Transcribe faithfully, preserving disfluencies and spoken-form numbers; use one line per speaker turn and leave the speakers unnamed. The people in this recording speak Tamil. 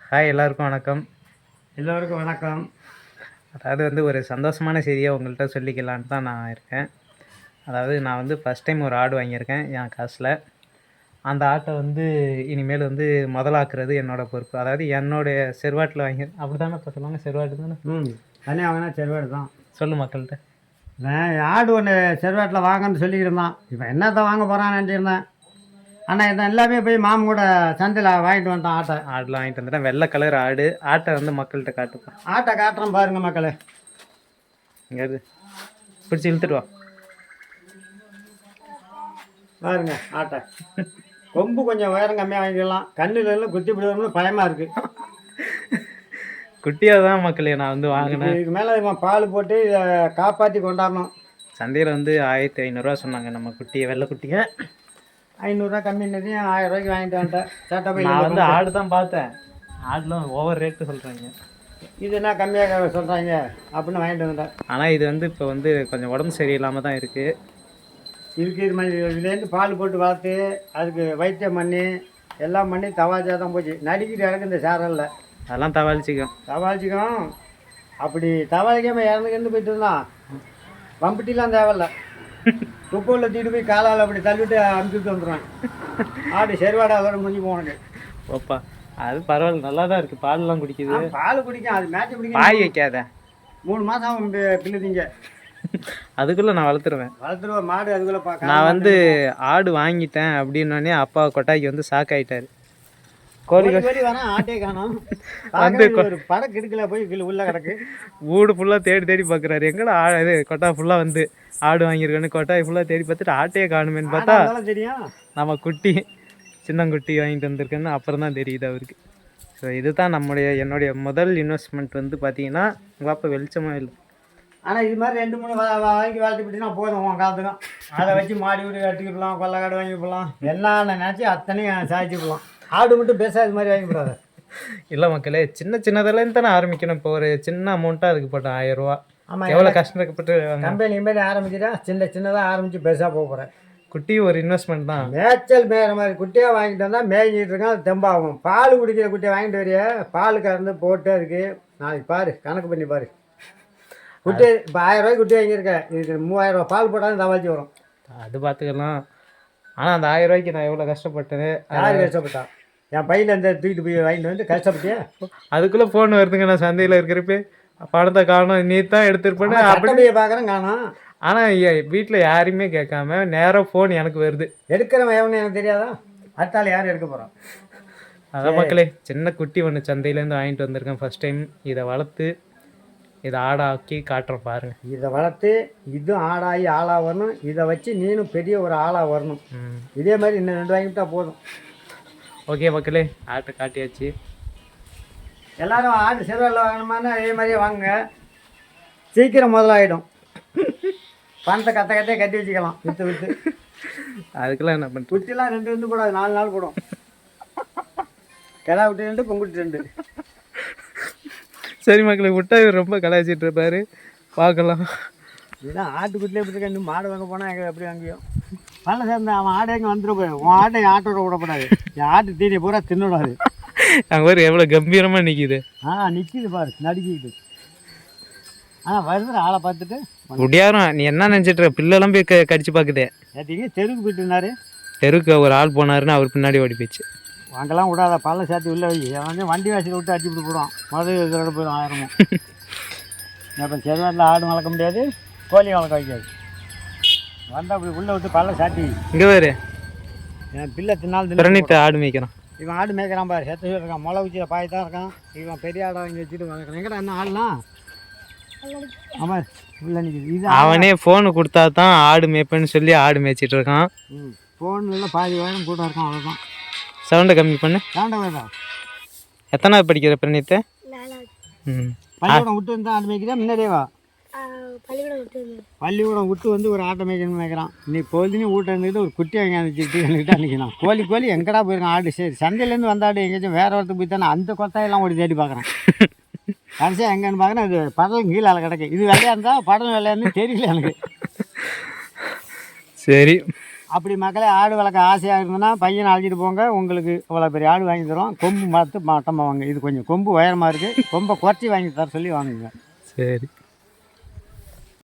ஹாய் எல்லாருக்கும் வணக்கம்.
எல்லோருக்கும் வணக்கம்.
அதாவது வந்து ஒரு சந்தோஷமான செய்தியை உங்கள்கிட்ட சொல்லிக்கலான்னு தான் நான் இருக்கேன். அதாவது நான் வந்து ஃபஸ்ட் டைம் ஒரு ஆடு வாங்கியிருக்கேன் என் காசில். அந்த ஆட்டை வந்து இனிமேல் வந்து முதலாக்குறது என்னோடய பொறுப்பு. அதாவது என்னுடைய செருவாட்டில் வாங்கி அப்படி தானே இப்போ சொல்லுவாங்க, செருவாட்டு தானே.
ம் தனியாக வாங்கினா செருவாடு தான்.
சொல்லு மக்கள்கிட்ட.
நான் ஆடு ஒன்று செருவாட்டில் வாங்கன்னு சொல்லிக்கிட்டு இருந்தான். இப்போ என்னத்தை வாங்க போகிறான்னு நினச்சிருந்தேன். ஆனால் இதை எல்லாமே போய் மாமன் கூட சந்தையில் வாங்கிட்டு வந்துட்டான். ஆட்டை
ஆடுலாம் வாங்கிட்டு வந்துட்டேன். வெள்ளை கலர் ஆடு. ஆட்டை வந்து மக்கள்கிட்ட காட்டுப்பேன்.
ஆட்டை காட்டுறோம் பாருங்கள் மக்களே.
எங்கேயாவது பிடிச்சி இழுத்துட்டு வா
பாருங்க ஆட்டை. கொம்பு கொஞ்சம் உயரம் கம்மியாக வாங்கிக்கலாம். கண்ணில் எல்லாம் குத்தி விடுவோம்னு பயமாக இருக்குது.
குட்டியாக தான் மக்களே நான் வந்து வாங்கினேன்.
இதுக்கு மேலே இவன் பால் போட்டு இதை காப்பாற்றி கொண்டாடணும்.
சந்தையில் வந்து ஆயிரத்தி ஐநூறுரூவா சொன்னாங்க நம்ம குட்டியை, வெள்ளை குட்டியை.
ஐநூறுரூவா கம்மின்னதையும் ஆயிரம் ரூபாய்க்கு வாங்கிட்டு வந்துட்டேன். சட்டை போய்
நான் வந்து ஆடு தான் பார்த்தேன். ஆடுலாம் ஓவர் ரேட்டு சொல்கிறாங்க.
இது என்ன கம்மியாக சொல்கிறாங்க அப்படின்னு வாங்கிட்டு வந்துட்டேன்.
ஆனால் இது வந்து இப்போ வந்து கொஞ்சம் உடம்பு சரியில்லாமல் தான் இருக்குது.
இதுக்கு இது மாதிரி இதுலேருந்து பால் போட்டு வளர்த்து அதுக்கு வைத்தியம் பண்ணி எல்லாம் பண்ணி தவாஜா தான் போச்சு. நடிக்கிட்டு இறக்கு இந்த சேரலில்
அதெல்லாம் தவாளிச்சிக்கும்
தவாளிச்சிக்கும். அப்படி தவாளிக்காமல் இறந்துக்கிருந்து போயிட்டு இருந்தான். வம்பட்டிலாம் தேவையில்ல. துப்பூரில் தூக்கிட்டு போய் காலால் அப்படி தள்ளிவிட்டு அமுச்சுட்டு வந்துடுவேன். ஆடு செருவாடை அதோட முடிஞ்சு போனது.
ஓப்பா அது பரவாயில்ல, நல்லா தான் இருக்குது. பாலெலாம் குடிக்குது.
பால் குடிக்கும். அது மேட்ச் பிடிக்கும்.
பாய் வைக்காத.
மூணு மாதம் பில்லு திங்க.
அதுக்குள்ளே நான் வளர்த்துருவேன்.
வளர்த்துருவேன் மாடு. அதுக்குள்ளே பார்க்க
நான் வந்து ஆடு வாங்கிட்டேன் அப்படின்னோடனே அப்பா கொட்டாய்க்கு வந்து ஷாக் ஆகிட்டார். கோழி
கோழி வரேன் ஆட்டே காணும். வந்து ஒரு படம் கிடுக்கல போய் உள்ள கிடக்கு.
வீடு ஃபுல்லாக தேடி தேடி பார்க்குறாரு. எங்கடா ஆ இது கொட்டா ஃபுல்லாக வந்து ஆடு வாங்கியிருக்கேன்னு கொட்டாய் ஃபுல்லாக தேடி பார்த்துட்டு ஆட்டையே காணுமேன்னு பார்த்தா
தெரியும்
நம்ம குட்டி சின்னங்குட்டி வாங்கிட்டு வந்திருக்கேன்னு அப்புறம் தான் தெரியுது அவருக்கு. ஸோ இதுதான் நம்முடைய என்னுடைய முதல் இன்வெஸ்ட்மெண்ட் வந்து பார்த்தீங்கன்னா உங்கள் அப்பா வெளிச்சமாக இல்லை.
ஆனால் இது மாதிரி ரெண்டு மூணு வாங்கி வளர்த்து விட்டுனா போதும் உன் காலத்துக்கும். அதை வச்சு மாடி வீடு கட்டிக்கிடலாம், கொள்ளைக்காடு வாங்கி போடலாம், என்னென்ன நினச்சி அத்தனையும் சாய்ச்சி போடலாம். ஆடு மட்டும் பேச இது மாதிரி வாங்கி போடாது.
இல்லை மக்களே, சின்ன சின்னதெல்லாம் தானே ஆரம்பிக்கணும். இப்போ ஒரு சின்ன அமௌண்ட்டாக அதுக்கு போட்டேன் ஆயிரம் ரூபா.
ஆமாம்,
எவ்வளோ கஷ்டப்பட்டு
கம்பெனி மாரி ஆரம்பிச்சுட்டா சின்ன சின்னதாக ஆரம்பித்து பெருசாக போக போகிறேன்.
குட்டி ஒரு இன்வெஸ்ட்மெண்ட் தான்.
மேய்ச்சல் மேய்கிற மாதிரி குட்டியாக வாங்கிட்டு வந்தால் மேய்ஞ்சிட்டு இருக்கேன். அது தெம்பாகும். பால் குடிக்கிற குட்டியை வாங்கிட்டு வரைய பால் கறந்து போட்டு அதுக்கு நாளைக்கு பாரு கணக்கு பண்ணி பாரு. குட்டி இப்போ ஆயிரம் ரூபாய்க்கு குட்டி வாங்கியிருக்கேன். இதுக்கு மூவாயிரம் ரூபா பால் போட்டாலும் தவாச்சி வரும்.
அது பார்த்துக்கலாம். ஆனால் அந்த ஆயிரம் ரூபாய்க்கு நான் எவ்வளோ கஷ்டப்பட்டேன்.
யார் கஷ்டப்பட்டா? என் பையில இந்த தூக்கிட்டு போய் வாங்கிட்டு வந்து கஷ்டப்பட்டியா?
அதுக்குள்ளே ஃபோன் வருதுங்க. நான் சந்தையில் இருக்கிறப்ப பணத்தை காணும் நீ தான் எடுத்துருப்பேன்னு
அப்படியே பார்க்குறேன் காணும்.
ஆனால் வீட்டில் யாரையுமே கேட்காம நேராக ஃபோன் எனக்கு வருது.
எடுக்கிறவன் எவனு எனக்கு தெரியாதா? அடுத்தாள் யாரும் எடுக்க போகிறான்.
அதான் மக்களே, சின்ன குட்டி ஒன்று சந்தையிலேருந்து வாங்கிட்டு வந்திருக்கேன் ஃபஸ்ட் டைம். இதை வளர்த்து இதை ஆடாக்கி காட்டுறோம் பாருங்கள்.
இதை வளர்த்து இது ஆடாகி ஆளாக வரணும். இதை வச்சு நீனும் பெரிய ஒரு ஆளாக வரணும். இதே மாதிரி இன்னும் ரெண்டு வாங்கிட்டா போதும்.
ஓகே மக்களே, ஆட்டை காட்டியாச்சு.
எல்லோரும் ஆடு செருவால் வாங்கணுமானா அதே மாதிரியே வாங்குங்க. சீக்கிரம் முதலாகிடும். பணத்தை கத்த கத்தையே கட்டி வச்சுக்கலாம் விற்று விற்று.
அதுக்கெல்லாம் என்ன பண்ண
குட்டிலாம் ரெண்டு ரெண்டு போடாது, நாலு நாள் போடும். கிடா விட்டு ரெண்டு பொங்குட்டு ரெண்டு.
சரி மக்களே, விட்டா இவர் ரொம்ப கலாய்ச்சிட்டு இருப்பாரு. பார்க்கலாம்.
இதுதான் ஆட்டுக்குட்டிலே எப்படி இருக்க. இன்னும் மாடு வாங்க போனால் எங்கே எப்படி வாங்கியும் பல சேர்ந்து அவன் ஆடை எங்கே வந்துட போய் உன் ஆட்டை ஆட்டோட விடப்படாது. என் ஆட்டு தீனி பூரா தின்னுடாது.
அங்கே ஒரு எவ்வளோ கம்பீரமாக நிற்கிது.
ஆ நிற்கிது பாரு நடிக்கிது. ஆனால் வருதுற ஆளை பார்த்துட்டு
முடியாரும். நீ என்ன நினச்சிட்டு பிள்ளைலாம் போய் க கடிச்சு பார்க்குதே.
நேற்றுக்கு தெருவுக்கு போயிட்டு இருந்தாரு.
தெருவுக்கு ஒரு ஆள் போனாருன்னு அவர் பின்னாடி ஓடி போயிடுச்சு.
அங்கெல்லாம் விடாத பல்ல சேர்த்து உள்ள வை. வந்து வண்டி வாசியில் விட்டு அடிச்சுட்டு போடுவான். முதல் இதோட போயிடும் ஆயிரமும். இப்போ செருவாட்டில் ஆடு வளர்க்க முடியாது, கோழி வளர்க்க வைக்காது. வந்து அப்படி உள்ளே விட்டு பல்ல சாட்டி
இங்கே வேறு
என் பிள்ளை தின்னாலும்
திறனிட்டு ஆடு மேய்க்கிறான்.
இவன் ஆடு மேய்க்கிறான் பாரு. செத்து இருக்கான். முளை வச்சு பாய் தான் இருக்கான். இவன் பெரிய ஆடை வாங்கி வச்சுட்டு வளர்க்குறான். எங்கடா என்ன ஆடுலாம்? ஆமாம் உள்ள நிற்கிது. இது
அவனே ஃபோனு கொடுத்தா தான் ஆடு மேய்ப்பேன்னு சொல்லி ஆடு மேய்ச்சிட்டு இருக்கான்.
ம் ஃபோனில் பாதி வாரம் கூட இருக்கான். அவ்வளோதான்.
சவுண்டை கம்மி பண்ணு.
சவுண்டை வேண்டாம்.
எத்தனாவது படிக்கிற பிரணீத்தை? ம்
பள்ளிக்கூடம் விட்டு வந்து ஆடு மேய்க்கிறா முன்னாடியே வா. பள்ளிக்கூடம் விட்டு வந்து ஒரு ஆட்டை மேய்க்கணும்னு நினைக்கிறான். நீ பொழுதுன்னு வீட்டை இருந்துக்கிட்டு ஒரு குட்டி வாங்கி அனுப்பிச்சிட்டு என்கிட்ட நிற்கணும். கோழி கோழி எங்கடா போயிருக்கான் ஆடு. சரி சந்தையிலேருந்து வந்த ஆடு எங்கேயாச்சும் வேறு ஒருத்தர் போய் தானே அந்த கொத்தாயெல்லாம் ஓடி தேடி பார்க்குறேன். கடைசியாக எங்கன்னு பார்க்குறேன் இது படலும் கீழே கிடக்கு. இது வெள்ளையாக இருந்தால் படம் வெள்ளையாருந்து தெரியல எனக்கு.
சரி
அப்படி மக்களே ஆடு வளர்க்க ஆசையாக இருந்ததுன்னா பையனை அழைச்சிட்டு போங்க, உங்களுக்கு இவ்வளோ பெரிய ஆடு வாங்கி தரோம். கொம்பு பார்த்து மட்டமாக வாங்க. இது கொஞ்சம் கொம்பு உயரமாக இருக்குது, கொம்பை குறைச்சி வாங்கி தர சொல்லி வாங்குங்க.
சரி.